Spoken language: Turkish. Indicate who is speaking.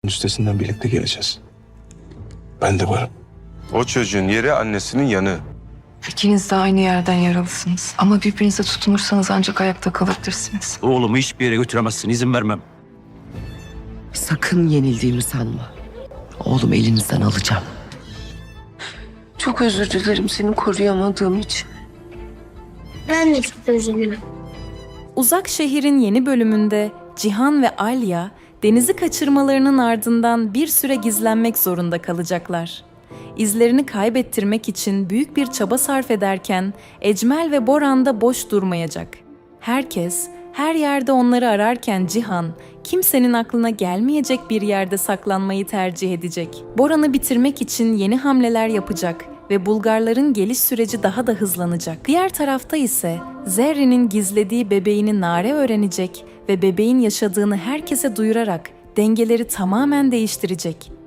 Speaker 1: Üstesinden birlikte geleceğiz. Ben de varım.
Speaker 2: O çocuğun yeri annesinin yanı.
Speaker 3: İkiniz de aynı yerden yaralısınız. Ama birbirinize tutunursanız ancak ayakta kalabilirsiniz.
Speaker 4: Oğlumu hiçbir yere götüremezsin, izin vermem.
Speaker 5: Sakın yenildiğimi sanma. Oğlum elinizden alacağım.
Speaker 3: Çok özür dilerim seni koruyamadığım için.
Speaker 6: Ben de çok üzgünüm.
Speaker 7: Uzak Şehir'in yeni bölümünde Cihan ve Alya Deniz'i kaçırmalarının ardından bir süre gizlenmek zorunda kalacaklar. İzlerini kaybettirmek için büyük bir çaba sarf ederken Ecmel ve Boran da boş durmayacak. Herkes, her yerde onları ararken Cihan, kimsenin aklına gelmeyecek bir yerde saklanmayı tercih edecek. Boran'ı bitirmek için yeni hamleler yapacak ve Bulgarların geliş süreci daha da hızlanacak. Diğer tarafta ise Zerrin'in gizlediği bebeğini Nare öğrenecek ve bebeğin yaşadığını herkese duyurarak dengeleri tamamen değiştirecek.